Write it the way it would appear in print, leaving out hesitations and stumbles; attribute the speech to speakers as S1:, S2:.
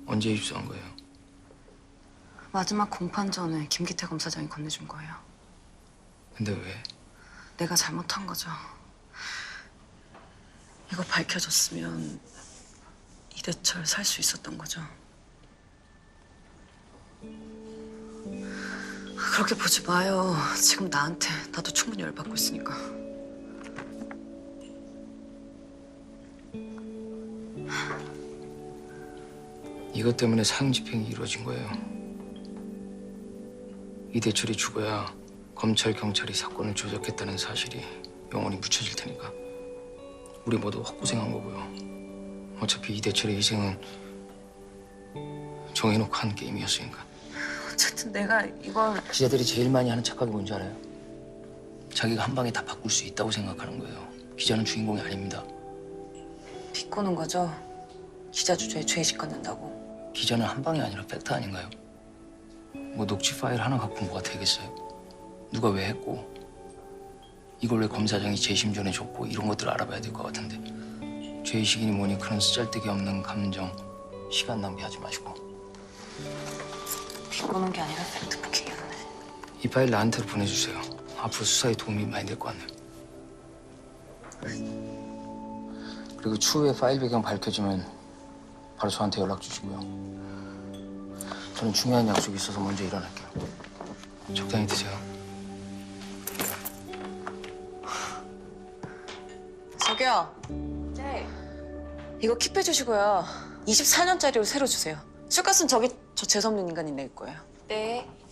S1: 언제 입수한 거예요?
S2: 마지막 공판 전에 김기태 검사장이 건네준 거예요.
S1: 근데 왜?
S2: 내가 잘못한 거죠. 이거 밝혀졌으면 이대철 살 수 있었던 거죠. 그렇게 보지 마요. 지금 나한테 나도 충분히 열받고 있으니까.
S1: 이것 때문에 사형 집행이 이루어진 거예요. 이대철이 죽어야 검찰, 경찰이 사건을 조작했다는 사실이 영원히 묻혀질 테니까 우리 모두 헛고생한 거고요. 어차피 이대철의 희생은 정해놓고 한 게임이었으니까.
S2: 어쨌든 내가 이걸
S1: 기자들이 제일 많이 하는 착각이 뭔지 알아요? 자기가 한 방에 다 바꿀 수 있다고 생각하는 거예요. 기자는 주인공이 아닙니다.
S2: 비꼬는 거죠. 기자 주제에 죄의식 갖는다고.
S1: 기자는 한 방이 아니라 팩트 아닌가요? 뭐 녹취 파일 하나 갖고 뭐가 되겠어요? 누가 왜 했고 이걸 왜 검사장이 재심 전에 줬고 이런 것들을 알아봐야 될 것 같은데 죄의식이니 뭐니 그런 쓰잘데기 없는 감정, 시간 낭비하지 마시고.
S2: 비꼬는 게 아니라 팩트부킹이었네.
S1: 이 파일 나한테로 보내주세요. 앞으로 수사에 도움이 많이 될 것 같네요. 그리고 추후에 파일 배경 밝혀지면 바로 저한테 연락 주시고요. 저는 중요한 약속이 있어서 먼저 일어날게요. 적당히 드세요.
S2: 저기요. 네. 이거 킵해 주시고요. 24년짜리로 새로 주세요. 술값은 저 재수없는 인간이 낼 거예요.
S3: 네.